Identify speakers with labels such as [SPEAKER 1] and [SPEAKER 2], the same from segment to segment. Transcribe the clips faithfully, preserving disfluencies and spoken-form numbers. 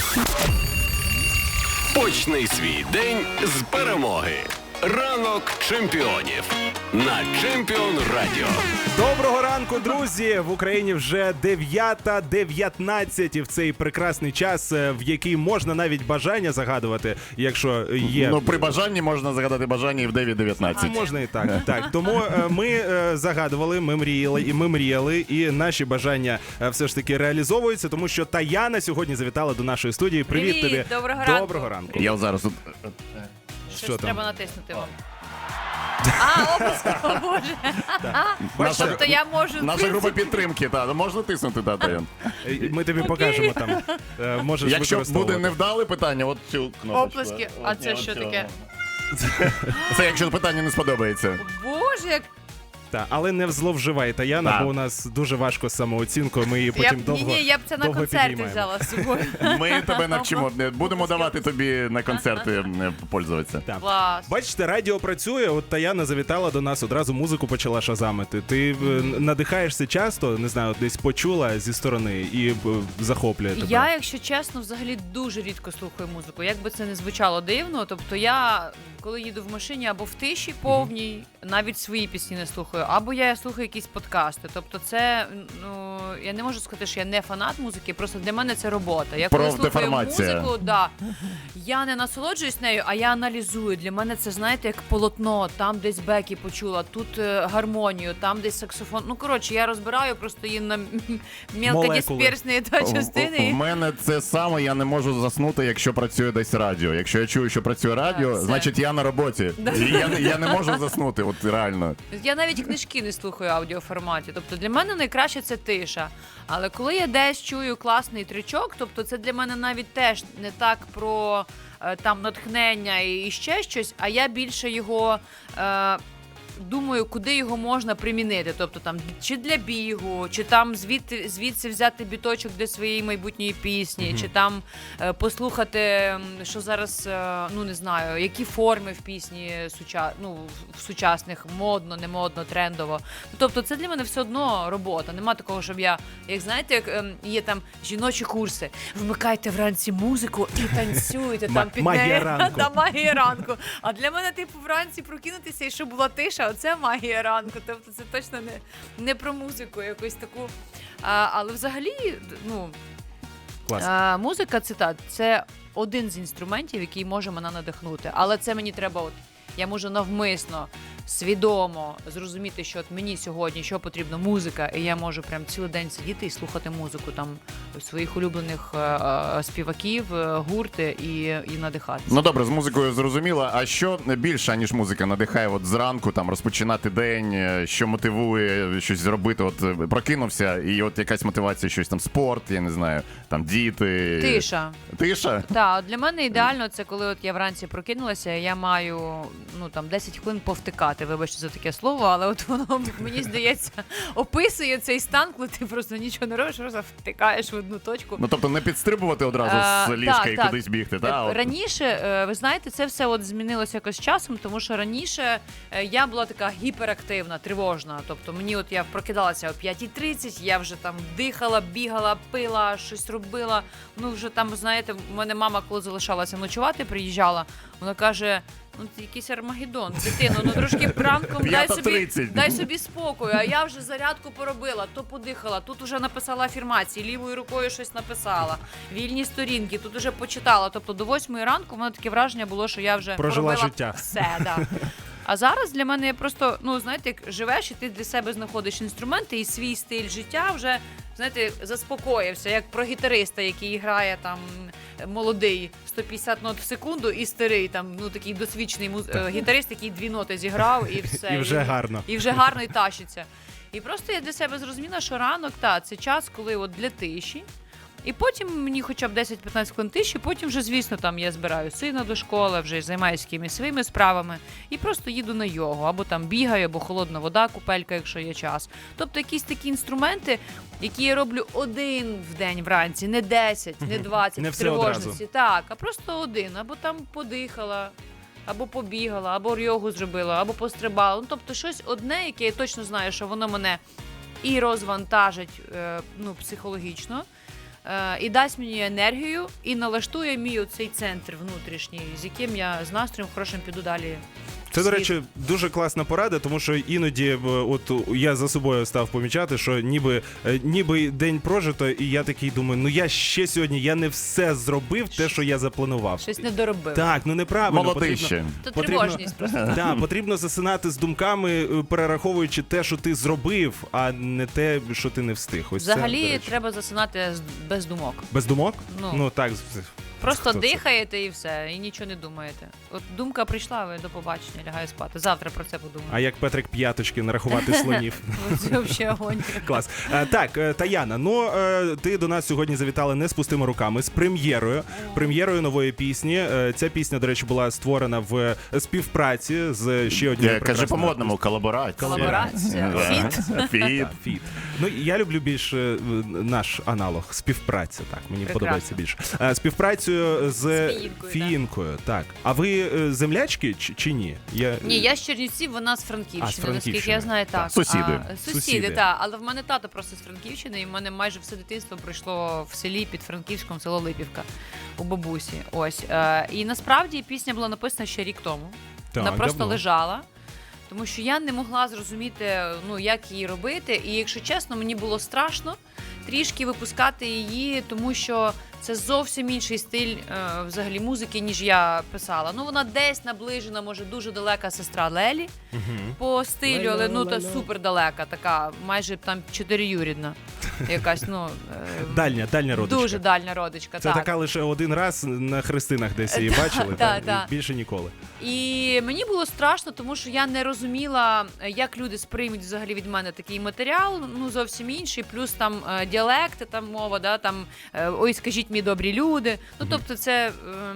[SPEAKER 1] Почни свій день з перемоги. Ранок чемпіонів на Чемпіон Радіо.
[SPEAKER 2] Доброго ранку, друзі! В Україні вже дев'ята дев'ятнадцять, і в цей прекрасний час, в який можна навіть бажання загадувати, якщо є...
[SPEAKER 3] Ну, при бажанні можна загадати бажання і в дев'ять
[SPEAKER 2] А
[SPEAKER 3] дев'ятнадцять.
[SPEAKER 2] можна і так, так. Тому е, ми е, загадували, ми мріяли, і ми мріяли, і наші бажання е, все ж таки реалізовуються, тому що Таяна сьогодні завітала до нашої студії. Привіт,
[SPEAKER 4] Привіт,
[SPEAKER 2] тобі!
[SPEAKER 4] доброго ранку.
[SPEAKER 2] Доброго ранку.
[SPEAKER 3] Я от зараз тут...
[SPEAKER 4] Щось
[SPEAKER 2] Що там?
[SPEAKER 4] треба натиснути вам. А, опуск, о боже.
[SPEAKER 3] Наша,
[SPEAKER 4] Тобто я можу... в
[SPEAKER 3] наша
[SPEAKER 4] принципі,
[SPEAKER 3] група підтримки, та, можна тиснути, та, Таян.
[SPEAKER 2] Е, Ми тобі покажемо там. Е, Можеш
[SPEAKER 3] Якщо буде
[SPEAKER 2] використовувати.
[SPEAKER 3] невдале питання, от цю кнопочку.
[SPEAKER 4] Оплески. А це
[SPEAKER 3] От
[SPEAKER 4] що
[SPEAKER 3] цю.
[SPEAKER 4] таке?
[SPEAKER 3] Це якщо питання не сподобається.
[SPEAKER 4] Боже, як...
[SPEAKER 2] Так, але не зловживай, Таяна,
[SPEAKER 3] Так.
[SPEAKER 2] бо у нас дуже важко з самооцінкою, ми її
[SPEAKER 4] Я
[SPEAKER 2] потім
[SPEAKER 4] б,
[SPEAKER 2] довго
[SPEAKER 4] ні, ні, я б це на
[SPEAKER 2] довго
[SPEAKER 4] концерти
[SPEAKER 2] підіймаємо.
[SPEAKER 4] взяла з собою.
[SPEAKER 3] Ми тебе навчимо. Будемо давати тобі на концерти е, пользуватися.
[SPEAKER 2] Так.
[SPEAKER 4] Клас.
[SPEAKER 2] Бачите, радіо працює, от Таяна завітала до нас, одразу музику почала шазамити. Ти е, надихаєшся часто, не знаю, десь почула зі сторони і е, захоплює тебе.
[SPEAKER 4] Я, якщо чесно, взагалі дуже рідко слухаю музику. Як би це не звучало дивно, тобто я, коли їду в машині або в тиші повній, навіть свої пісні не слухаю, або я слухаю якісь подкасти. Тобто це, ну, я не можу сказати, що я не фанат музики, просто для мене це робота. Я коли слухаю
[SPEAKER 3] Профдеформація.
[SPEAKER 4] музику, да, я не насолоджуюсь нею, а я аналізую. Для мене це, знаєте, як полотно, там десь бекі почула, тут е, гармонію, там десь саксофон. Ну, коротше, я розбираю просто її на мелкодисперсні та
[SPEAKER 3] В
[SPEAKER 4] частини.
[SPEAKER 3] мене це саме, я не можу заснути, якщо працює десь радіо. Якщо я чую, що працює радіо,
[SPEAKER 4] все.
[SPEAKER 3] значить я на роботі. І я, я не можу заснути, от реально.
[SPEAKER 4] Я навіть книжки не слухаю в аудіоформаті. Тобто для мене найкраще це тиша. Але коли я десь чую класний тричок, тобто це для мене навіть теж не так про е, там натхнення і, і ще щось, а я більше його. Е, Думаю, куди його можна примінити, тобто там чи для бігу, чи там звідти звідси взяти біточок для своєї майбутньої пісні, mm-hmm. чи там е, послухати, що зараз, е, ну не знаю, які форми в пісні суча, ну, в сучасних, модно, не модно, трендово. Тобто це для мене все одно робота. Нема такого, щоб я, як знаєте, як е, є там жіночі курси, вмикайте вранці музику і танцюйте там під
[SPEAKER 2] магія
[SPEAKER 4] неї.
[SPEAKER 2] ранку.
[SPEAKER 4] Та магія ранку. А для мене, типу, вранці прокинутися і щоб була тиша. Оце магія ранку, тобто це точно не, не про музику якусь таку. А, але взагалі, ну,
[SPEAKER 2] Клас.
[SPEAKER 4] а, музика, цитат, це один з інструментів, який може мене надихнути. Але це мені треба, от, я можу навмисно, свідомо зрозуміти, що от мені сьогодні, що потрібно, музика, і я можу прям цілий день сидіти і слухати музику там своїх улюблених е, е, співаків, е, гурти і, і надихатися.
[SPEAKER 3] Ну добре, з музикою зрозуміло. А що більше, ніж музика, надихає от зранку там розпочинати день, що мотивує щось зробити? От прокинувся, і от якась мотивація, щось там спорт, я не знаю, там діти.
[SPEAKER 4] Тиша.
[SPEAKER 3] Тиша?
[SPEAKER 4] Так, для мене ідеально це коли от я вранці прокинулася, я маю ну там десять хвилин повтикати. Вибачте за таке слово, але от воно, мені здається, описує цей стан, коли ти просто нічого не робиш, просто втикаєш в одну точку.
[SPEAKER 3] Ну тобто не підстрибувати одразу
[SPEAKER 4] А,
[SPEAKER 3] з ліжка
[SPEAKER 4] так,
[SPEAKER 3] і
[SPEAKER 4] так.
[SPEAKER 3] кудись бігти, та? От.
[SPEAKER 4] Раніше, е, ви знаєте, це все от змінилося якось з часом, тому що раніше е, я була така гіперактивна, тривожна. Тобто мені от я прокидалася о п'ятій тридцять, я вже там дихала, бігала, пила, щось робила. Ну вже там, знаєте, в мене мама, коли залишалася ночувати, приїжджала, вона каже: ну, це якийсь Армагеддон, дитино, ну трошки ранком дай собі, дай собі спокою, а я вже зарядку поробила, то подихала, тут вже написала афірмації, лівою рукою щось написала, вільні сторінки, тут вже почитала, тобто до восьмої ранку в мене таке враження було, що я вже
[SPEAKER 2] Прожила
[SPEAKER 4] поробила
[SPEAKER 2] життя.
[SPEAKER 4] все, да. А зараз для мене просто, ну, знаєте, як живеш і ти для себе знаходиш інструменти і свій стиль життя вже, знаєте, заспокоївся, як про гітариста, який грає там молодий сто п'ятдесят нот в секунду і старий там, ну, такий досвідчений муз... гітарист, який дві ноти зіграв і все.
[SPEAKER 2] І вже гарно.
[SPEAKER 4] І вже гарно і тащиться. І просто я для себе зрозуміла, що ранок, та, це час, коли от для тиші, І потім мені хоча б десять-п'ятнадцять хвилин тиші, потім вже, звісно, там я збираю сина до школи, вже займаюся якимись своїми справами і просто їду на йогу, або там бігаю, або холодна вода, купелька, якщо є час. Тобто якісь такі інструменти, які я роблю один в день вранці, не десять, не двадцять
[SPEAKER 2] не
[SPEAKER 4] в
[SPEAKER 2] все
[SPEAKER 4] тривожності.
[SPEAKER 2] одразу.
[SPEAKER 4] Так, а просто один, або там подихала, або побігала, або йогу зробила, або пострибала. Ну, тобто щось одне, яке я точно знаю, що воно мене і розвантажить, е, ну, психологічно, е, і дасть мені енергію, і налаштує мій оцей центр внутрішній, з яким я з настроєм хорошим піду далі.
[SPEAKER 2] Це, до
[SPEAKER 4] світ.
[SPEAKER 2] речі, дуже класна порада, тому що іноді е, от я за собою став помічати, що ніби, е, ніби день прожито, і я такий думаю, ну я ще сьогодні, я не все зробив, те, що я запланував.
[SPEAKER 4] Щось не доробив.
[SPEAKER 2] Так, ну неправильно.
[SPEAKER 3] Молодий
[SPEAKER 2] потрібно-
[SPEAKER 3] ще.
[SPEAKER 4] То
[SPEAKER 2] потрібно-
[SPEAKER 4] тривожність просто.
[SPEAKER 2] Да, потрібно засинати з думками, е, перераховуючи те, що ти зробив, а не те, що ти не встиг. Ось це,
[SPEAKER 4] Взагалі
[SPEAKER 2] до речі.
[SPEAKER 4] треба засинати з- без думок.
[SPEAKER 2] Без думок?
[SPEAKER 4] Ну.
[SPEAKER 2] Ну так.
[SPEAKER 4] Просто
[SPEAKER 2] Хто це?
[SPEAKER 4] дихаєте і все, і нічого не думаєте. От думка прийшла, ви до побачення, лягаю спати. Завтра про це подумаю.
[SPEAKER 2] А як Петрик П'яточки нарахувати слонів?
[SPEAKER 4] Ну, це взагалі агонія.
[SPEAKER 2] Клас. Е, Так, е, Таяна, ну е, ти до нас сьогодні завітала не з пустими руками, з прем'єрою. Прем'єрою нової пісні. Е, Ця пісня, до речі, була створена в співпраці з ще однією
[SPEAKER 3] Я кажу
[SPEAKER 2] прекрасною
[SPEAKER 3] по-модному, колаборація.
[SPEAKER 4] Колаборація.
[SPEAKER 3] Да.
[SPEAKER 4] Фіт.
[SPEAKER 3] Фіт.
[SPEAKER 2] Фіт. Ну я люблю більш е, наш аналог співпраця. Так мені
[SPEAKER 4] Прекрасно.
[SPEAKER 2] подобається більше. Е, Співпрацю з
[SPEAKER 4] Фіїнкою,
[SPEAKER 2] Фіїнкою. Так. А ви е, землячки чи, чи ні? Я
[SPEAKER 4] Ні, я з Чернівців, вона з
[SPEAKER 2] А, з
[SPEAKER 4] Франківщини, наскільки
[SPEAKER 2] Франківщини.
[SPEAKER 4] я знаю, так.
[SPEAKER 3] Сусіди.
[SPEAKER 4] А, сусіди,
[SPEAKER 2] Сусіди.
[SPEAKER 4] так. Але в мене тато просто з Франківщини, і в мене майже все дитинство пройшло в селі під Франківськом, село Липівка, у бабусі. Ось. Е, І насправді пісня була написана ще рік тому.
[SPEAKER 2] Так,
[SPEAKER 4] Вона просто
[SPEAKER 2] давно.
[SPEAKER 4] лежала. Тому що я не могла зрозуміти, ну, як її робити. І, якщо чесно, мені було страшно трішки випускати її, тому що це зовсім інший стиль е, взагалі музики, ніж я писала. Ну, вона десь наближена, може, дуже далека сестра Лелі по стилю, але ну та супер далека, така, майже там чотириюрідна. Якась, ну е,
[SPEAKER 2] Дальня, дальня родичка.
[SPEAKER 4] дуже дальня родичка.
[SPEAKER 2] Це
[SPEAKER 4] так.
[SPEAKER 2] така лише один раз на хрестинах десь її бачили,
[SPEAKER 4] да,
[SPEAKER 2] так,
[SPEAKER 4] да.
[SPEAKER 2] і більше ніколи.
[SPEAKER 4] І мені було страшно, тому що я не розуміла, як люди сприймуть взагалі від мене такий матеріал, ну зовсім інший, плюс там е, діалекти, там мова, да, там е, ой, скажіть мені добрі люди. Ну тобто, це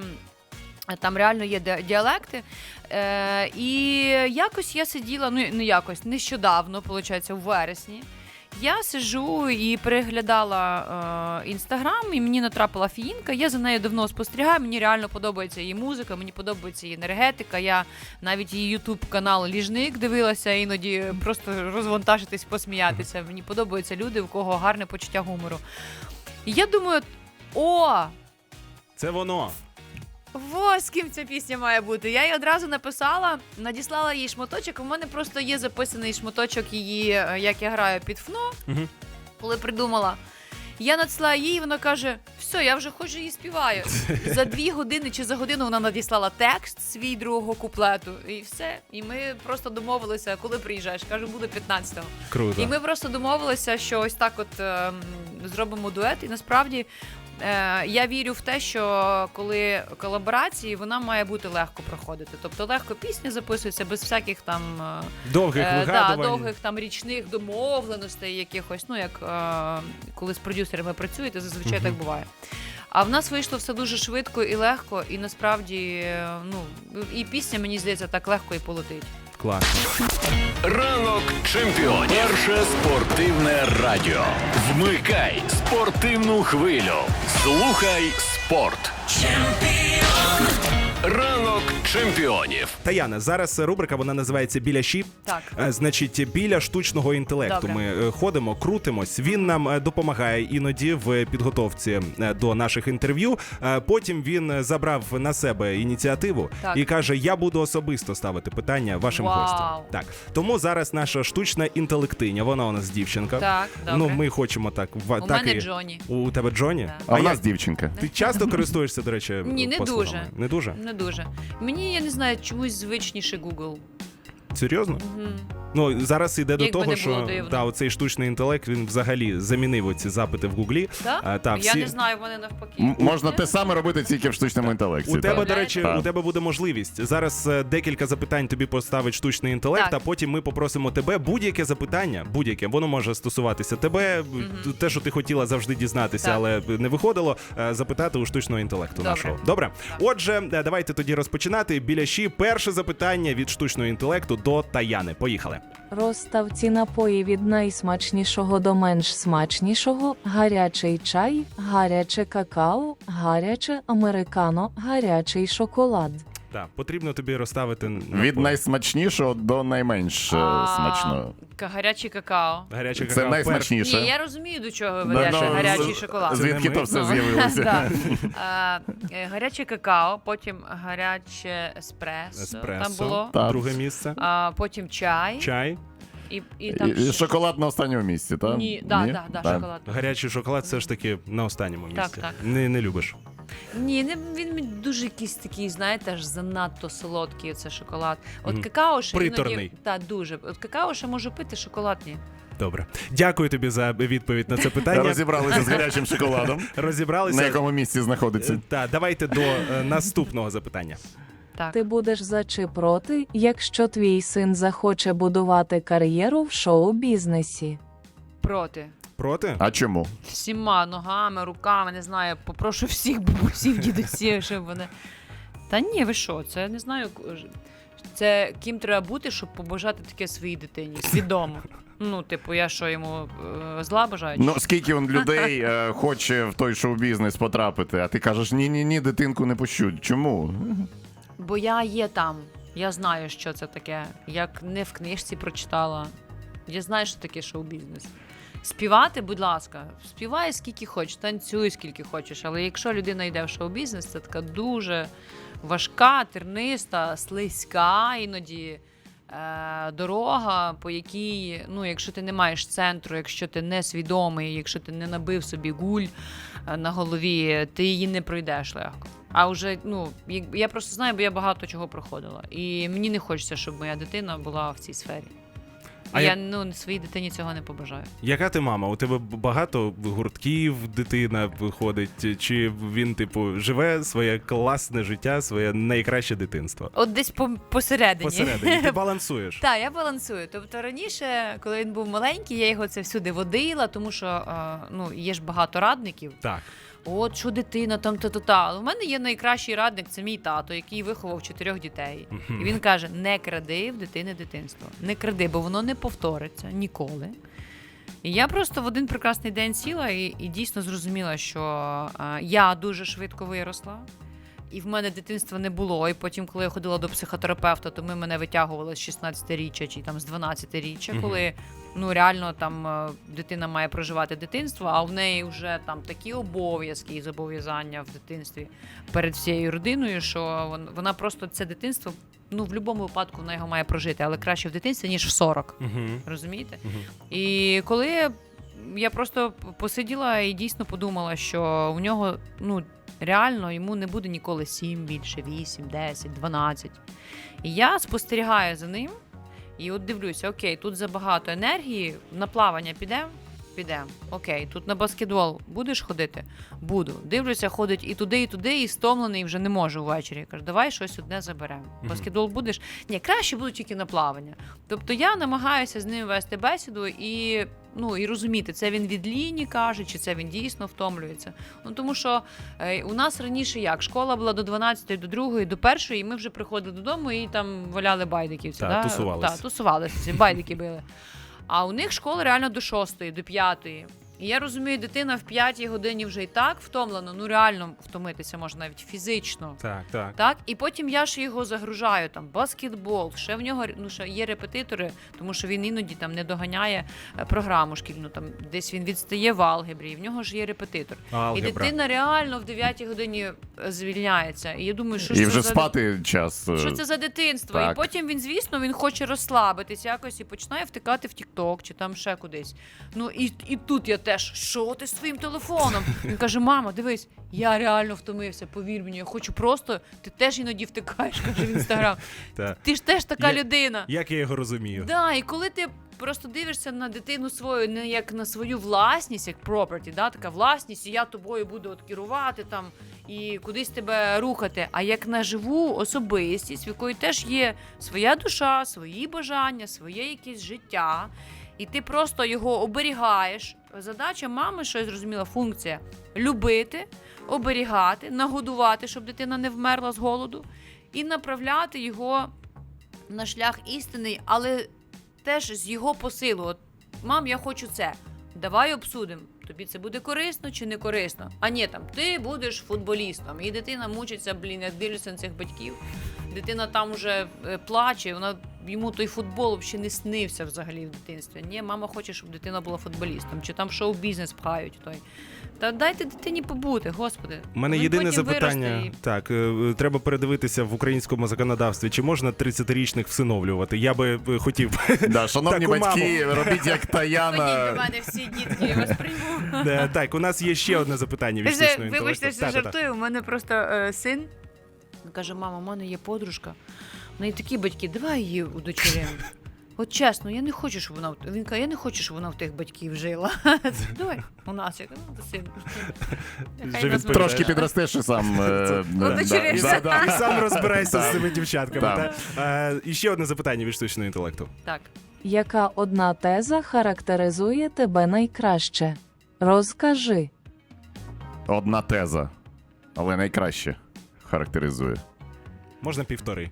[SPEAKER 4] е, там реально є ді- діалекти. Е, і якось я сиділа, ну не якось, нещодавно, виходить, у вересні. Я сиджу і переглядала інстаграм, і мені натрапила Фіїнка. Я за нею давно спостерігаю. Мені реально подобається її музика, мені подобається її енергетика. Я навіть її ютуб канал Ліжник дивилася, іноді просто розвантажитись, посміятися. Мені подобаються люди, у кого гарне почуття гумору. І я думаю, о!
[SPEAKER 2] Це воно.
[SPEAKER 4] Во, з ким ця пісня має бути. Я їй одразу написала, надіслала їй шматочок. У мене просто є записаний шматочок її, е, як я граю під ФНО,
[SPEAKER 2] Мгм.
[SPEAKER 4] коли придумала. Я надіслала їй, вона каже, все, я вже ходжу і співаю. За дві години чи за годину вона надіслала текст свій другого куплету. І все. І ми просто домовилися, коли приїжджаєш. Кажу, буду п'ятнадцятого.
[SPEAKER 2] Круто.
[SPEAKER 4] І ми просто домовилися, що ось так от е, зробимо дует. І насправді е, я вірю в те, що коли колаборації, вона має бути легко проходити. Тобто легко пісня записується без всяких там е,
[SPEAKER 2] Довгих
[SPEAKER 4] е, да,
[SPEAKER 2] вигадувань.
[SPEAKER 4] довгих там річних домовленостей, якихось, ну як е, коли з продюсерами працюєте, зазвичай так буває. А в нас вийшло все дуже швидко і легко, і насправді, е, ну і пісня, мені здається, так легко і полетить.
[SPEAKER 2] Класно.
[SPEAKER 1] Ранок чемпіонів. Перше спортивне радіо. Вмикай спортивну хвилю. Слухай спорт. Ранок чемпіонів.
[SPEAKER 2] Таяна, зараз рубрика, вона називається «Біля щі».
[SPEAKER 4] Так.
[SPEAKER 2] Е, Значить, біля штучного інтелекту
[SPEAKER 4] Добре.
[SPEAKER 2] ми е, ходимо, крутимось. Він нам е, допомагає іноді в підготовці е, до наших інтерв'ю. Е, Потім він е, забрав на себе ініціативу
[SPEAKER 4] Так.
[SPEAKER 2] і каже, я буду особисто ставити питання вашим
[SPEAKER 4] Вау.
[SPEAKER 2] гостям. Так. Тому зараз наша штучна інтелектиня, вона у нас дівчинка.
[SPEAKER 4] Так, добре.
[SPEAKER 2] Ну, ми хочемо так. в-
[SPEAKER 4] У
[SPEAKER 2] так
[SPEAKER 4] мене
[SPEAKER 2] і...
[SPEAKER 4] Джоні.
[SPEAKER 2] У тебе Джоні?
[SPEAKER 4] Так.
[SPEAKER 3] А в
[SPEAKER 2] я-
[SPEAKER 3] нас дівчинка.
[SPEAKER 2] Ти часто користуєшся, до речі,
[SPEAKER 4] Ні, не
[SPEAKER 2] послугами?
[SPEAKER 4] дуже.
[SPEAKER 2] Не дуже?
[SPEAKER 4] Не дуже. Мені, я не знаю, чомусь звичніше Google.
[SPEAKER 2] Серйозно?
[SPEAKER 4] Мгм.
[SPEAKER 2] Ну, зараз йде до
[SPEAKER 4] Якби
[SPEAKER 2] того,
[SPEAKER 4] не було
[SPEAKER 2] що
[SPEAKER 4] дивно.
[SPEAKER 2] та, оцей штучний інтелект, він взагалі замінив ці запити в Гуглі.
[SPEAKER 4] Так?
[SPEAKER 2] А, та,
[SPEAKER 4] Я
[SPEAKER 2] всі...
[SPEAKER 4] не знаю, вони навпаки.
[SPEAKER 3] М- Можна те саме робити тільки в штучному інтелекті.
[SPEAKER 2] У тебе,
[SPEAKER 3] так.
[SPEAKER 2] до речі,
[SPEAKER 3] Так.
[SPEAKER 2] у тебе буде можливість. Зараз е, декілька запитань тобі поставить штучний інтелект,
[SPEAKER 4] Так.
[SPEAKER 2] а потім ми попросимо тебе будь-яке запитання, будь-яке, воно може стосуватися тебе, те, що ти хотіла завжди дізнатися,
[SPEAKER 4] Так.
[SPEAKER 2] але не виходило, е, запитати у штучного інтелекту
[SPEAKER 4] Добре.
[SPEAKER 2] нашого. Добре? Отже, е, давайте тоді розпочинати. Біля щі перше запитання від штучного інтелекту до Таяни. Поїхали.
[SPEAKER 5] Розстав ці напої від найсмачнішого до менш смачнішого: гарячий чай, гаряче какао, гаряче американо, гарячий шоколад.
[SPEAKER 2] Так, потрібно тобі розставити на
[SPEAKER 3] Від
[SPEAKER 2] полі.
[SPEAKER 3] найсмачнішого до найменш е,
[SPEAKER 4] А,
[SPEAKER 3] смачного.
[SPEAKER 4] ка- Гарячий какао.
[SPEAKER 2] Гаряче
[SPEAKER 3] Це
[SPEAKER 2] какао.
[SPEAKER 3] найсмачніше.
[SPEAKER 4] Ні, я розумію, до чого ви
[SPEAKER 3] Да,
[SPEAKER 4] ведете.
[SPEAKER 3] ну,
[SPEAKER 4] Гарячий
[SPEAKER 3] з-
[SPEAKER 4] шоколад.
[SPEAKER 3] Звідки
[SPEAKER 2] ми?
[SPEAKER 3] то все
[SPEAKER 4] Ну,
[SPEAKER 3] з'явилося?
[SPEAKER 4] да. А, е, гаряче какао, потім гаряче еспресо,
[SPEAKER 2] Еспресо.
[SPEAKER 4] там було.
[SPEAKER 3] Так.
[SPEAKER 2] Друге місце.
[SPEAKER 4] А, потім чай.
[SPEAKER 2] Чай.
[SPEAKER 4] І, і там
[SPEAKER 3] І, і
[SPEAKER 4] ще-
[SPEAKER 3] шоколад на останньому місці, так?
[SPEAKER 4] Ні, да, да, да,
[SPEAKER 3] Так.
[SPEAKER 4] шоколад.
[SPEAKER 2] Гарячий шоколад все ж таки на останньому місці.
[SPEAKER 4] Так, так.
[SPEAKER 2] Не, не любиш.
[SPEAKER 4] Ні, не, він мені дуже якийсь такий, знаєте, аж занадто солодкий оце шоколад. От
[SPEAKER 2] Мгм.
[SPEAKER 4] какао ще
[SPEAKER 2] Приторний.
[SPEAKER 4] іноді... Так, дуже. От какао ще можу пити, шоколад ні.
[SPEAKER 2] Добре. Дякую тобі за відповідь на це питання.
[SPEAKER 3] Розібралися з гарячим шоколадом.
[SPEAKER 2] Розібралися.
[SPEAKER 3] На якому місці знаходиться?
[SPEAKER 2] Так, давайте до е, наступного запитання.
[SPEAKER 4] Так.
[SPEAKER 5] Ти будеш за чи проти, якщо твій син захоче будувати кар'єру в шоу-бізнесі?
[SPEAKER 4] Проти.
[SPEAKER 2] Проти?
[SPEAKER 3] А чому?
[SPEAKER 4] Всіма ногами, руками, не знаю, попрошу всіх бабусів, дідусів, щоб вони. Та ні, ви що, це не знаю. Це ким треба бути, щоб побажати таке своїй дитині. Свідомо. Ну, типу, я що йому е, зла бажаю? чи
[SPEAKER 3] Ну,
[SPEAKER 4] що?
[SPEAKER 3] скільки он людей е, хоче в той шоу-бізнес потрапити, а ти кажеш, ні-ні-ні, дитинку не пущу. Чому?
[SPEAKER 4] Бо я є там. Я знаю, що це таке. Як не в книжці прочитала. Я знаю, що таке шоу-бізнес. Співати, будь ласка, співай скільки хочеш, танцюй скільки хочеш. Але якщо людина йде в шоу-бізнес, це така дуже важка, терниста, слизька іноді е- дорога, по якій, ну, якщо ти не маєш центру, якщо ти не свідомий, якщо ти не набив собі гуль е- на голові, ти її не пройдеш легко. А вже, ну, як- я просто знаю, бо я багато чого проходила. І мені не хочеться, щоб моя дитина була в цій сфері.
[SPEAKER 2] А
[SPEAKER 4] я,
[SPEAKER 2] я-
[SPEAKER 4] ну, своїй дитині цього не побажаю.
[SPEAKER 2] Яка ти мама? У тебе багато гуртків дитина виходить? Чи він, типу, живе своє класне життя, своє найкраще дитинство?
[SPEAKER 4] От десь по- посередині.
[SPEAKER 2] Посередині. Ти балансуєш.
[SPEAKER 4] Так, я балансую. Тобто раніше, коли він був маленький, я його це всюди водила, тому що е, ну, є ж багато радників.
[SPEAKER 2] Так.
[SPEAKER 4] От що дитина, там та та та. Але у мене є найкращий радник, це мій тато, який виховав чотирьох дітей. І він каже: не кради в дитини дитинство. Не кради, бо воно не повториться ніколи. І я просто в один прекрасний день сіла і, і дійсно зрозуміла, що е, я дуже швидко виросла. І в мене дитинства не було. І потім, коли я ходила до психотерапевта, то ми мене витягували з шістнадцятиріччя чи там з дванадцятиріччя,
[SPEAKER 2] Мгм.
[SPEAKER 4] коли ну реально там е, дитина має проживати дитинство, а в неї вже там такі обов'язки і зобов'язання в дитинстві перед всією родиною, що вон- вона просто це дитинство, ну в будь-якому випадку вона його має прожити, але краще в дитинстві, ніж в сорок.
[SPEAKER 2] Угу.
[SPEAKER 4] Розумієте?
[SPEAKER 2] Мгм.
[SPEAKER 4] І коли я просто посиділа і дійсно подумала, що у нього, ну, реально йому не буде ніколи сім більше, вісім, десять, дванадцять. І я спостерігаю за ним і от дивлюся, окей, тут забагато енергії, на плавання підемо? Підемо. Окей, тут на баскетбол будеш ходити? Буду. Дивлюся, ходить і туди, і туди, і стомлений, вже не може ввечері. Я кажу, давай щось одне заберемо. Баскетбол будеш? Ні, краще буду тільки на плавання. Тобто я намагаюся з ним вести бесіду і, ну, і розуміти, це він від ліні каже, чи це він дійсно втомлюється. Ну, тому що е, у нас раніше як? Школа була до дванадцятої, до другої, до першої, і ми вже приходили додому і там валяли байдиківці.
[SPEAKER 2] Так,
[SPEAKER 4] да?
[SPEAKER 2] тусувались.
[SPEAKER 4] Так, тусувалися, ці байдики били. А у них школа реально до шостої, до п'ятої. І я розумію, дитина в п'ятій годині вже і так втомлена, ну реально втомитися можна навіть фізично.
[SPEAKER 2] Так, так.
[SPEAKER 4] Так, і потім я ж його загружаю там баскетбол, ще в нього ну ще є репетитори, тому що він іноді там не доганяє е, програму шкільну, там десь він відстає в алгебрі, і в нього ж є репетитор.
[SPEAKER 2] Алгебра.
[SPEAKER 4] І дитина реально в дев'ятій годині е, звільняється. І я думаю, що
[SPEAKER 3] І
[SPEAKER 4] ж
[SPEAKER 3] вже
[SPEAKER 4] це за
[SPEAKER 3] спати час. е,
[SPEAKER 4] що це за дитинство?
[SPEAKER 3] Так.
[SPEAKER 4] І потім він, звісно, він хоче розслабитись якось і починає втикати в Тік-Ток чи там ще кудись. Ну і, і тут я теж, що ти з твоїм телефоном? Він каже: мама, дивись, я реально втомився, повір мені, я хочу просто, ти теж іноді втикаєш, каже в інстаграм.
[SPEAKER 2] Так.
[SPEAKER 4] Ти ж теж така
[SPEAKER 2] Я-
[SPEAKER 4] людина.
[SPEAKER 2] Як я його розумію?
[SPEAKER 4] Да, і коли ти просто дивишся на дитину свою не як на свою власність, як property, да, така власність, і я тобою буду от керувати там і кудись тебе рухати, а як на живу особистість, в якої теж є своя душа, свої бажання, своє якесь життя, і ти просто його оберігаєш. Задача мами, що я зрозуміла, функція любити, оберігати, нагодувати, щоб дитина не вмерла з голоду, і направляти його на шлях істинний, але теж з його посилу. От, мам, я хочу це. Давай обсудимо. тобі це буде корисно чи не корисно. А ні, там ти будеш футболістом, і дитина мучиться, блін, я дивлюся на цих батьків. Дитина там вже е, плаче, вона йому той футбол взагалі не снився взагалі в дитинстві. Ні, мама хоче, щоб дитина була футболістом, чи там шоу-бізнес пхають той. Та дайте дитині побути, господи.
[SPEAKER 2] У мене
[SPEAKER 4] Він
[SPEAKER 2] єдине
[SPEAKER 4] потім
[SPEAKER 2] запитання.
[SPEAKER 4] виросте і-
[SPEAKER 2] Так, е, треба передивитися в українському законодавстві, чи можна тридцятирічних всиновлювати. Я би е, хотів.
[SPEAKER 3] Да, шановні
[SPEAKER 2] Таку
[SPEAKER 3] батьки, робіть як
[SPEAKER 4] Ходіть
[SPEAKER 3] Таяна.
[SPEAKER 4] до мене всі дітки, я вас прийму.
[SPEAKER 2] Е, Так, у нас є ще одне запитання від
[SPEAKER 4] Вже,
[SPEAKER 2] штучного
[SPEAKER 4] вибачте,
[SPEAKER 2] інтелекту.
[SPEAKER 4] що
[SPEAKER 2] Та-та-та.
[SPEAKER 4] жартую. У мене просто е, син він каже: мама, у мене є подружка. В неї такі батьки, давай її удочеримо. От чесно, я не хочу, щоб вона в- він каже, я не хочу, щоб вона в тих батьків жила. Давай у нас, я кажу, ну, то син. Нехай
[SPEAKER 2] Вже
[SPEAKER 4] нас
[SPEAKER 2] відповідає.
[SPEAKER 3] Трошки підростеш і сам. е, да,
[SPEAKER 4] Удочеришся.
[SPEAKER 3] да, да.
[SPEAKER 2] І сам розбирайся з цими дівчатками.
[SPEAKER 3] Так.
[SPEAKER 2] та? Е, І ще одне запитання від штучного інтелекту.
[SPEAKER 4] Так.
[SPEAKER 5] Яка одна теза характеризує тебе найкраще? Розкажи.
[SPEAKER 3] Одна теза, але найкраще характеризує.
[SPEAKER 2] Можна півтори.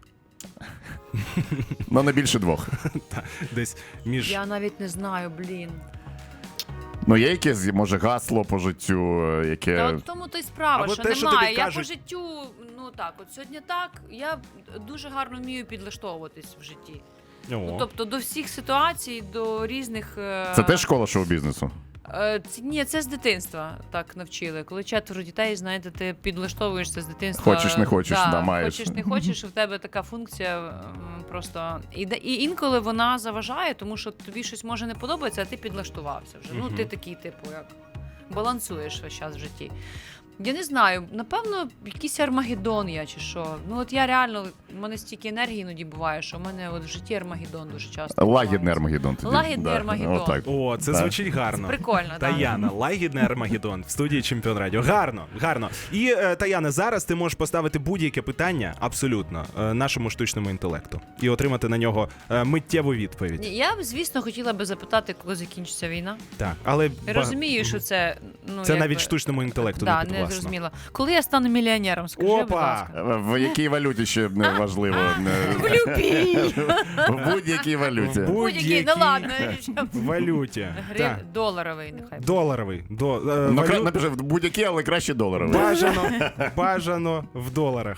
[SPEAKER 3] Ну, не більше двох.
[SPEAKER 2] Десь між.
[SPEAKER 4] Я навіть не знаю, блін.
[SPEAKER 3] Ну, є якесь, може, гасло по життю, е, яке.
[SPEAKER 4] Та от в тому то й справа,
[SPEAKER 2] Або
[SPEAKER 4] що
[SPEAKER 2] те, що
[SPEAKER 4] немає.
[SPEAKER 2] тобі
[SPEAKER 4] Я
[SPEAKER 2] кажуть.
[SPEAKER 4] по життю, ну так, от сьогодні так, я дуже гарно вмію підлаштовуватись в житті. Ну,
[SPEAKER 2] О.
[SPEAKER 4] тобто до всіх ситуацій, до різних. е,
[SPEAKER 3] Це теж школа шоу-бізнесу.
[SPEAKER 4] Е, ц- Ні, це з дитинства так навчили. Коли четверо дітей, знаєте, ти підлаштовуєшся з дитинства.
[SPEAKER 3] Хочеш, не хочеш, да, маєш.
[SPEAKER 4] Хочеш, не хочеш, і в тебе така функція м, просто. І, де- і інколи вона заважає, тому що тобі щось може не подобається, а ти підлаштувався вже. Ну, ти такий, типу, як балансуєш весь час в житті. Я не знаю, напевно, якийсь Армагеддон я чи що. Ну от я реально, в мене стільки енергії іноді буває, що в мене от в житті Армагеддон дуже часто.
[SPEAKER 3] Лагідний
[SPEAKER 4] відбувається.
[SPEAKER 3] Армагеддон. тоді.
[SPEAKER 4] Лагідний
[SPEAKER 3] Да,
[SPEAKER 4] Армагеддон.
[SPEAKER 3] Отак.
[SPEAKER 2] О, це
[SPEAKER 3] Так.
[SPEAKER 2] звучить гарно.
[SPEAKER 4] Прикольно, так.
[SPEAKER 2] Таяна, лагідний Армагеддон в студії Чемпіон Радіо. Гарно, гарно. І е, Таяна, зараз ти можеш поставити будь-яке питання абсолютно е, нашому штучному інтелекту і отримати на нього е, миттєву відповідь.
[SPEAKER 4] Ні, я б, звісно, хотіла би запитати, коли закінчиться війна.
[SPEAKER 2] Так, але
[SPEAKER 4] Я
[SPEAKER 2] ба-
[SPEAKER 4] розумію, що це ну
[SPEAKER 2] це
[SPEAKER 4] якби-
[SPEAKER 2] навіть штучному інтелекту
[SPEAKER 4] да,
[SPEAKER 2] не
[SPEAKER 4] не
[SPEAKER 2] підвласно.
[SPEAKER 4] зрозуміло. Коли я стану мільйонером, скажи, будь
[SPEAKER 2] Опа!
[SPEAKER 4] ласка.
[SPEAKER 3] В якій валюті ще не важливо.
[SPEAKER 4] В любій!
[SPEAKER 3] В будь-якій валюті.
[SPEAKER 2] В
[SPEAKER 4] Будь-який, ну ладно.
[SPEAKER 2] в валюті.
[SPEAKER 4] Гри...
[SPEAKER 2] Так.
[SPEAKER 4] Доларовий, нехай. буде.
[SPEAKER 2] Доларовий. До, е,
[SPEAKER 3] Ну,
[SPEAKER 2] валю-
[SPEAKER 3] кра- напиши, в будь-якій, але краще доларовий.
[SPEAKER 2] Бажано, бажано в доларах.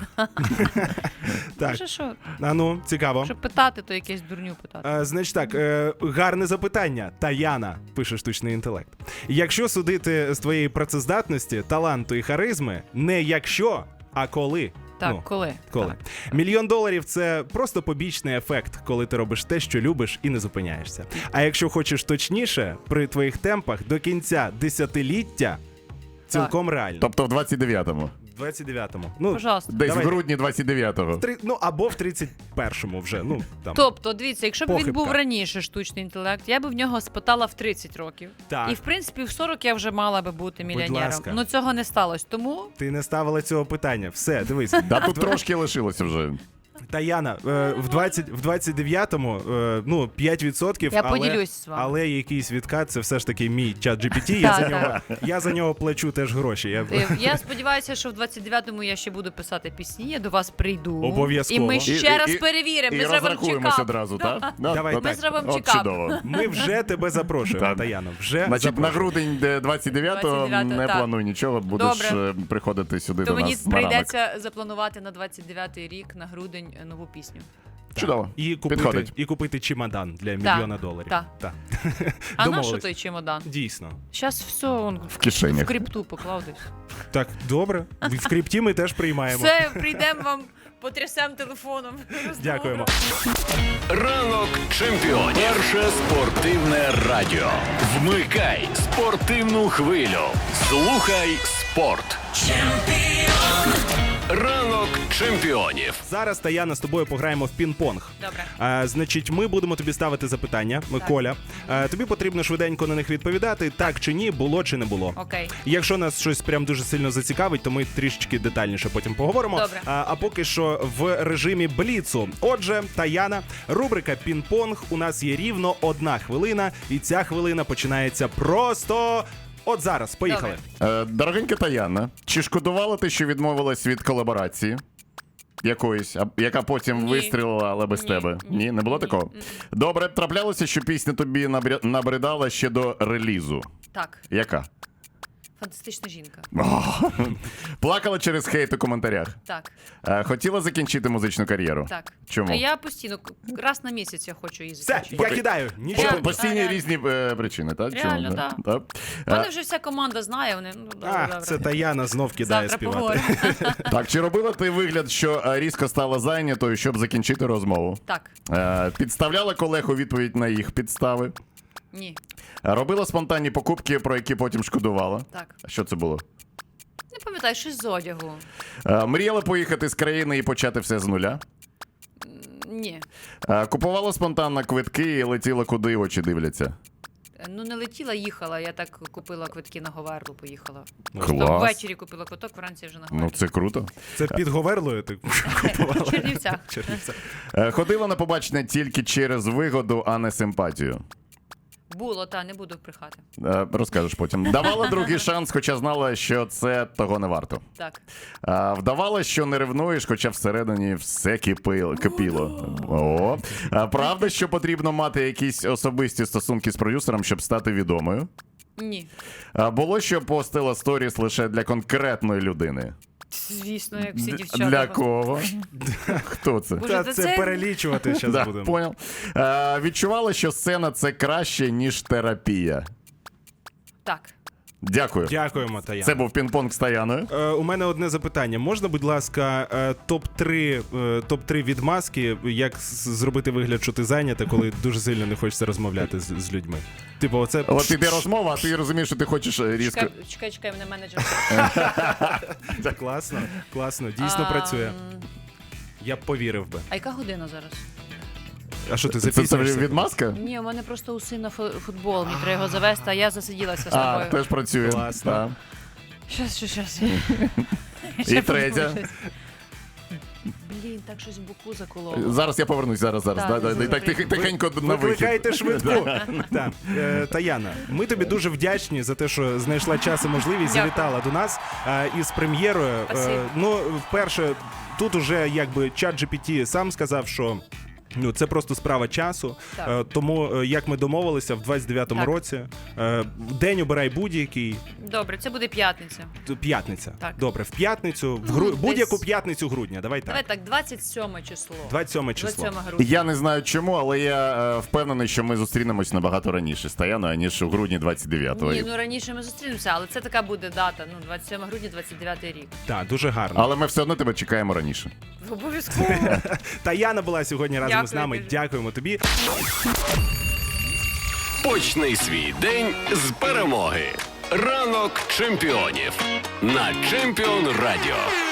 [SPEAKER 2] Так,
[SPEAKER 4] Може, що?
[SPEAKER 2] а ну, цікаво.
[SPEAKER 4] Щоб питати, то якесь дурню питати.
[SPEAKER 2] Е, значить так, е, гарне запитання. Таяна, пише штучний інтелект. Якщо судити з твоєї працездатності, таланту і харизми, не якщо, а коли.
[SPEAKER 4] Так,
[SPEAKER 2] Ну,
[SPEAKER 4] коли?
[SPEAKER 2] Коли?
[SPEAKER 4] Так.
[SPEAKER 2] Мільйон доларів це просто побічний ефект, коли ти робиш те, що любиш, і не зупиняєшся. А якщо хочеш точніше, при твоїх темпах до кінця десятиліття цілком реально.
[SPEAKER 3] Тобто в двадцять дев'ятому.
[SPEAKER 2] В двадцять дев'ятому. Ну,
[SPEAKER 4] Пожалуйста.
[SPEAKER 3] Десь
[SPEAKER 2] Давай.
[SPEAKER 3] в грудні двадцять дев'ятого.
[SPEAKER 2] три, ну або в тридцять першому вже. Ну, там.
[SPEAKER 4] Тобто, дивіться, якщо б він
[SPEAKER 2] Похибка.
[SPEAKER 4] був раніше штучний інтелект, я б в нього спитала в тридцять років.
[SPEAKER 2] Так.
[SPEAKER 4] І в принципі в сорок я вже мала би бути мільйонером.
[SPEAKER 2] ласка.
[SPEAKER 4] Ну цього не сталося. Тому
[SPEAKER 2] Ти не ставила цього питання. Все, дивись.
[SPEAKER 3] Да тут трошки лишилося вже.
[SPEAKER 2] Таяна, е, в двадцять, в двадцять дев'ятому, е, ну, п'ять відсотків,
[SPEAKER 4] Я
[SPEAKER 2] але,
[SPEAKER 4] поділюсь з вами.
[SPEAKER 2] але якийсь відкат, це все ж таки мій чат джі пі ті, я,
[SPEAKER 4] Так,
[SPEAKER 2] за нього,
[SPEAKER 4] так.
[SPEAKER 2] я за нього плачу теж гроші. Я...
[SPEAKER 4] Е, я сподіваюся, що в двадцять дев'ятому я ще буду писати пісні, я до вас прийду.
[SPEAKER 2] Обов'язково.
[SPEAKER 4] І ми
[SPEAKER 2] І-
[SPEAKER 4] ще
[SPEAKER 3] і-
[SPEAKER 4] раз
[SPEAKER 3] і-
[SPEAKER 4] перевіримо.
[SPEAKER 3] І
[SPEAKER 4] Ми зробимо
[SPEAKER 3] розрахуємося
[SPEAKER 4] чекап.
[SPEAKER 3] одразу, так?
[SPEAKER 2] Давай,
[SPEAKER 3] От
[SPEAKER 2] ми
[SPEAKER 3] так.
[SPEAKER 4] зробимо
[SPEAKER 3] От
[SPEAKER 4] чекап.
[SPEAKER 3] чудово.
[SPEAKER 2] Ми вже тебе запрошуємо,
[SPEAKER 3] Так.
[SPEAKER 2] Таяна. Вже
[SPEAKER 3] Значить, на
[SPEAKER 2] запрошуємо.
[SPEAKER 3] грудень де двадцять дев'ятого
[SPEAKER 4] двадцять дев'ятого,
[SPEAKER 3] не
[SPEAKER 4] так.
[SPEAKER 3] плануй нічого, будеш
[SPEAKER 4] Добре.
[SPEAKER 3] е, приходити сюди
[SPEAKER 4] То
[SPEAKER 3] до
[SPEAKER 4] мені
[SPEAKER 3] нас на ранок.
[SPEAKER 4] прийдеться запланувати на двадцять дев'ятий рік на грудень е, нову пісню.
[SPEAKER 3] Чудово.
[SPEAKER 2] І купити,
[SPEAKER 3] Підходить.
[SPEAKER 2] і купити чемодан для мільйона доларів.
[SPEAKER 4] так.
[SPEAKER 2] Так.
[SPEAKER 4] А на що
[SPEAKER 2] Домовились.
[SPEAKER 4] той чемодан?
[SPEAKER 2] Дійсно.
[SPEAKER 4] Зараз все он в,
[SPEAKER 3] кишенях.
[SPEAKER 4] в крипту поклав десь.
[SPEAKER 2] Так, добре. В крипті ми теж приймаємо.
[SPEAKER 4] Все, прийдемо вам, потрясемо телефоном.
[SPEAKER 2] Дякуємо.
[SPEAKER 1] Ранок чемпіонів. Перше спортивне радіо. Вмикай спортивну хвилю. Слухай спорт. Ранок чемпіонів.
[SPEAKER 2] Зараз, Таяна, з тобою пограємо в пінг-понг.
[SPEAKER 4] Добре.
[SPEAKER 2] А, значить, ми будемо тобі ставити запитання, Коля. А, тобі потрібно швиденько на них відповідати, так чи ні, було чи не було.
[SPEAKER 4] Окей.
[SPEAKER 2] Якщо нас щось прям дуже сильно зацікавить, то ми трішечки детальніше потім поговоримо.
[SPEAKER 4] Добре.
[SPEAKER 2] А, а поки що в режимі бліцу. Отже, Таяна, рубрика пінг-понг. У нас є рівно одна хвилина, і ця хвилина починається просто от зараз. Поїхали.
[SPEAKER 4] Добре.
[SPEAKER 3] Е, Дорогенька Таяна, чи шкодувала ти, що відмовилась від колаборації? Якоїсь, а- яка потім
[SPEAKER 4] Ні.
[SPEAKER 3] вистрілила, але без
[SPEAKER 4] Ні.
[SPEAKER 3] тебе.
[SPEAKER 4] Ні.
[SPEAKER 3] Ні, не було
[SPEAKER 4] Ні.
[SPEAKER 3] такого?
[SPEAKER 4] М.
[SPEAKER 3] Добре, траплялося, що пісня тобі набря- набридала ще до релізу.
[SPEAKER 4] Так.
[SPEAKER 3] Яка?
[SPEAKER 4] фантастична жінка.
[SPEAKER 3] Плакала через хейт у коментарях.
[SPEAKER 4] Так,
[SPEAKER 3] Е, Хотіла закінчити музичну кар'єру.
[SPEAKER 4] так.
[SPEAKER 3] Чому?
[SPEAKER 4] А я постійно, к- раз на місяць я хочу її
[SPEAKER 2] Все,
[SPEAKER 4] закінчити.
[SPEAKER 2] я кидаю.
[SPEAKER 3] По-
[SPEAKER 2] Нічого.
[SPEAKER 4] Реально.
[SPEAKER 3] Постійні
[SPEAKER 4] Реально.
[SPEAKER 3] різні е, причини, так?
[SPEAKER 4] Реально,
[SPEAKER 3] Чому?
[SPEAKER 4] да.
[SPEAKER 3] Так.
[SPEAKER 4] Мене
[SPEAKER 3] Е,
[SPEAKER 4] вже вся команда знає, вони, ну, добре,
[SPEAKER 2] А,
[SPEAKER 4] добре.
[SPEAKER 2] це Таяна знов кидає
[SPEAKER 4] Завтра
[SPEAKER 2] співати.
[SPEAKER 4] поговоримо.
[SPEAKER 3] Так, чи робила ти вигляд, що е, різко стала зайнятою, щоб закінчити розмову?
[SPEAKER 4] Так,
[SPEAKER 3] Е, Підставляла колег у відповідь на їх підстави?
[SPEAKER 4] ні,
[SPEAKER 3] Е, Робила спонтанні покупки, про які потім шкодувала?
[SPEAKER 4] так.
[SPEAKER 3] Що це було?
[SPEAKER 4] Не пам'ятаю, щось з одягу.
[SPEAKER 3] Е, Мріяла поїхати з країни і почати все з нуля?
[SPEAKER 4] Ні.
[SPEAKER 3] Е, Купувала спонтанно квитки і летіла, куди очі дивляться?
[SPEAKER 4] Ну, не летіла, їхала. Я так купила квитки на Говерлу, поїхала.
[SPEAKER 3] Клас.
[SPEAKER 4] Тобто ввечері купила квиток, вранці вже на
[SPEAKER 3] Ну,
[SPEAKER 4] Говерлу.
[SPEAKER 3] це круто.
[SPEAKER 2] Це під Говерлою ти купувала.
[SPEAKER 4] В Чернівцях.
[SPEAKER 2] Чернівцях.
[SPEAKER 3] Е, Ходила на побачення тільки через вигоду, а не симпатію.
[SPEAKER 4] Було, та, не буду брехати.
[SPEAKER 3] Е, Розкажеш потім. Давала другий шанс, хоча знала, що це того не варто.
[SPEAKER 4] Так.
[SPEAKER 3] А, Вдавала, що не ревнуєш, хоча всередині все кипило. кипіло. О. А, Правда, що потрібно мати якісь особисті стосунки з продюсером, щоб стати відомою?
[SPEAKER 4] Ні.
[SPEAKER 3] А, Було, що постила сторіс лише для конкретної людини.
[SPEAKER 4] Звісно, як всі дівчата.
[SPEAKER 3] Для кого? Хто це?
[SPEAKER 4] Боже,
[SPEAKER 2] Та
[SPEAKER 4] та
[SPEAKER 2] це
[SPEAKER 4] це-
[SPEAKER 2] перелічувати зараз
[SPEAKER 3] Да,
[SPEAKER 2] будемо.
[SPEAKER 3] понял. А, Відчувала, що сцена це краще, ніж терапія.
[SPEAKER 4] Так.
[SPEAKER 3] Дякую.
[SPEAKER 2] Дякуємо, Таяна.
[SPEAKER 3] Це був пінг-понг з Таяною.
[SPEAKER 2] Е, у мене одне запитання. Можна, будь ласка, е, топ три е, топ три відмазки, як з- зробити вигляд, що ти зайнята, коли дуже сильно не хочеться розмовляти з, з людьми? Типу, оце
[SPEAKER 3] От іде розмова, а ти розумієш, що ти хочеш е, різко.
[SPEAKER 4] Чекай, чекай, чекай, мене менеджер.
[SPEAKER 2] класно, класно, дійсно
[SPEAKER 4] А,
[SPEAKER 2] працює.
[SPEAKER 4] м,
[SPEAKER 2] Я б повірив би.
[SPEAKER 4] А яка година зараз?
[SPEAKER 2] А що ти
[SPEAKER 3] Це, це
[SPEAKER 2] запізнюєшся?
[SPEAKER 3] відмазка?
[SPEAKER 4] Ні, у мене просто у сина фу- футбол, мені треба його завести, а я засиділася з
[SPEAKER 3] А,
[SPEAKER 4] тобою.
[SPEAKER 3] теж працює.
[SPEAKER 2] Класно.
[SPEAKER 3] Так.
[SPEAKER 4] Щас, щас, щас.
[SPEAKER 3] І третя.
[SPEAKER 4] Блін, так щось в боку закололо.
[SPEAKER 3] Зараз я повернусь, зараз, зараз.
[SPEAKER 4] Так,
[SPEAKER 3] Да, да,
[SPEAKER 4] добре.
[SPEAKER 3] Так тих- тихенько на вихід.
[SPEAKER 2] Викликайте швидку. Так. Е, Таяна, ми тобі дуже вдячні за те, що знайшла час і можливість,
[SPEAKER 4] Дякую.
[SPEAKER 2] завітала до нас е, із прем'єрою. Е,
[SPEAKER 4] Спасибо.
[SPEAKER 2] Ну, вперше, тут уже якби чат джі пі ті сам сказав, що. Ну, це просто справа часу.
[SPEAKER 4] Так.
[SPEAKER 2] Е, тому, е, як ми домовилися, в двадцять дев'ятому
[SPEAKER 4] Так.
[SPEAKER 2] році е, день обирай будь-який.
[SPEAKER 4] Добре, це буде п'ятниця.
[SPEAKER 2] Т- П'ятниця.
[SPEAKER 4] Так.
[SPEAKER 2] Добре, в п'ятницю, в
[SPEAKER 4] Ну,
[SPEAKER 2] гру...
[SPEAKER 4] десь-
[SPEAKER 2] будь-яку п'ятницю грудня. Давай так.
[SPEAKER 4] Давай так, двадцять сьоме число.
[SPEAKER 2] двадцять сьоме число.
[SPEAKER 4] двадцять сьоме грудня.
[SPEAKER 3] Я не знаю чому, але я е, впевнений, що ми зустрінемось набагато раніше з Таяною, ніж у грудні двадцять дев'ятого.
[SPEAKER 4] Ні, ну раніше ми зустрінемося, але це така буде дата, ну, двадцять сьоме грудня, двадцять дев'ятий рік.
[SPEAKER 2] Так, дуже гарно.
[SPEAKER 3] Але ми все одно тебе чекаємо раніше.
[SPEAKER 4] Обов'язково.
[SPEAKER 2] Таяна була сьогодні разом
[SPEAKER 4] Дякую
[SPEAKER 2] з нами.
[SPEAKER 4] дуже.
[SPEAKER 2] Дякуємо тобі.
[SPEAKER 1] Почни свій день з перемоги. Ранок чемпіонів на Чемпіон Радіо.